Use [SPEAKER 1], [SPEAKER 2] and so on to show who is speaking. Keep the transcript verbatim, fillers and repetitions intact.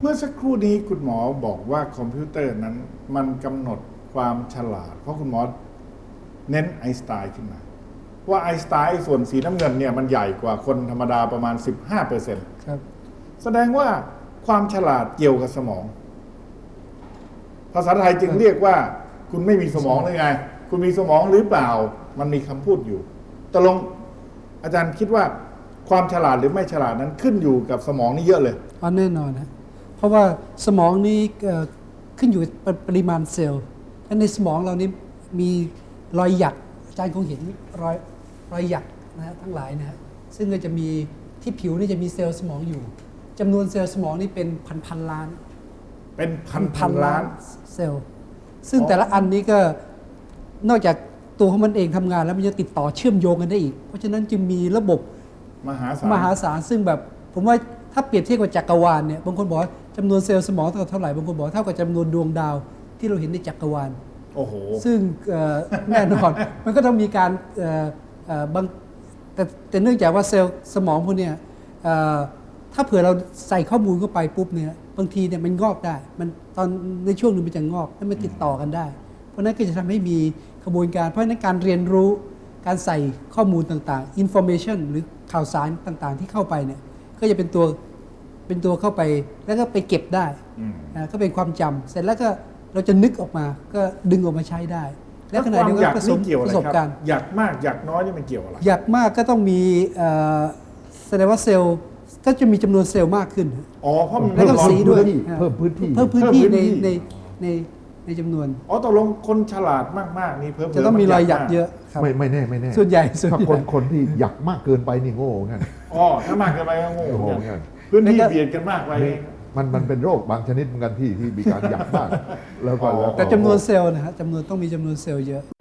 [SPEAKER 1] มื่อสักครู่นี้คุณหมอบอกว่าคอมพิวเตอร์นั้นมันกำหนดความฉลาด เพราะคุณหมอเน้นไอน์สไตน์ขึ้นมา ว่าไอน์สไตน์ส่วนสีน้ำเงินเนี่ยมันใหญ่กว่าคนธรรมดาประมาณ สิบห้าเปอร์เซ็นต์
[SPEAKER 2] ครับ
[SPEAKER 1] แสดงว่าความฉลาดเกี่ยวกับสมอง ภาษาไทยจึงเรียกว่าคุณไม่มีสมองหรือไง คุณมีสมองหรือเปล่า มันมีคำพูดอยู่ตกลงอาจารย์คิดว่าความฉลาดหรือไม่ฉลาดนั้นขึ้นอยู่กับสมองนี่เยอะเลย
[SPEAKER 2] อ๋อแน่นอนนะเพราะว่าสมองนี้เอ่อขึ้นอยู่กับปริมาณเซลล์และในสมองเรานี้มีรอยหยักอาจารย์คงเห็นรอยรอยหยักนะฮะทั้งหลายนะฮะซึ่งก็จะมีที่ผิวนี่จะมีเซลล์สมองอยู่จำนวนเซลล์สมองนี่เป็นพันพันล้าน
[SPEAKER 1] เป็นพันพันล้าน
[SPEAKER 2] เซลล์ซึ่งแต่ละอันนี้ก็นอกจากตัวของมันเองทำงานแล้วมันจะติดต่อเชื่อมโยงกันได้อีก เพราะฉะนั้นจึงมีระบบ
[SPEAKER 1] มหาศาล
[SPEAKER 2] มหาศาลซึ่งแบบผมว่าถ้าเปรียบเทียบกับจักรวาลเนี่ยบางคนบอกว่าจำนวนเซลล์สมองเท่าไหร่บางคนบอกเท่ากับจำนวนดวงดาวที่เราเห็นในจักรวาล
[SPEAKER 1] โอ้โห
[SPEAKER 2] ซึ่งเอ่อแน่นอน มันก็ต้องมีการเอ่อเอ่อบางแต่แต่เนื่องจากว่าเซลล์สมองพวกเนี้ยเอ่อถ้าเผื่อเราใส่ข้อมูลเข้าไปปุ๊บเนี่ยบางทีเนี่ยมันงอกได้มันตอนในช่วงหนึงมันจะงอกแล้วมันติดต่อกันได้ เพราะนั้นก็จะทำให้มีกระบวนการเพราะฉะนั้นการเรียนรู้การใส่ข้อมูลต่างๆ information หรือข่าวสารต่างๆ ที่เข้าไปเนี่ยก็จะเป็นตัวเป็นตัวเข้าไปแล้วก็ไปเก็บได้
[SPEAKER 1] อืม
[SPEAKER 2] อ่าก็เป็นความจำเสร็จแล้วก็เราจะนึกออกมาก็ดึงออกมาใช้ได้ และขณะ
[SPEAKER 1] ควา
[SPEAKER 2] เดีย
[SPEAKER 1] ม
[SPEAKER 2] ว
[SPEAKER 1] อ
[SPEAKER 2] กั
[SPEAKER 1] ยาก
[SPEAKER 2] นผสม
[SPEAKER 1] นี่เกี่ยวอะ
[SPEAKER 2] ป
[SPEAKER 1] ไร
[SPEAKER 2] ระสบ
[SPEAKER 1] ครับ
[SPEAKER 2] การณ์
[SPEAKER 1] อยากมากอยากน้อยนี่มันเกี่ยวอะไร
[SPEAKER 2] อยากมากก็ต้องมีเอ่อแสดงว่าเซลล์ก็จะมีจำนวนเซลล์มากขึ้น
[SPEAKER 1] อ๋อเพราะมัน
[SPEAKER 2] แล้วก็
[SPEAKER 1] ร้อน
[SPEAKER 2] สีด้วย
[SPEAKER 3] เพิ่มพื้นที่
[SPEAKER 2] เพิ่มพื้นที่
[SPEAKER 1] เพิ่มพื้
[SPEAKER 2] ใน
[SPEAKER 1] นที่
[SPEAKER 2] ในในในจำนวน
[SPEAKER 1] อ๋อตกลงคนฉลาดมากๆนี่เพิ่ม
[SPEAKER 2] จะต้องมีรอยหยักเยอะครับ
[SPEAKER 3] ไม่ไม่แน่ไม่แน่
[SPEAKER 2] ส่วนใหญ่ส่วน
[SPEAKER 3] ถ้า
[SPEAKER 2] ให
[SPEAKER 3] ค
[SPEAKER 2] ญ่
[SPEAKER 3] นคนที่อยากมากเกินไปนี่โง่งั้น
[SPEAKER 1] อ๋อถ้ามากเกินไปก็โง่
[SPEAKER 3] โอ้โห
[SPEAKER 1] เหมือนกัน
[SPEAKER 3] งั้น
[SPEAKER 1] พื้นที่
[SPEAKER 2] แล้วก็
[SPEAKER 1] เบียดกันมากไป
[SPEAKER 3] นี่มันมันเป็นโรคบางชนิดเหมือนกันที่ที่มีการอยากมากแล้วก็
[SPEAKER 1] อ๋อ
[SPEAKER 3] แล้วก็
[SPEAKER 2] แต่จำนวนเซลล์นะฮะจำนวนต้องมีจำนวนเซลล์เยอะ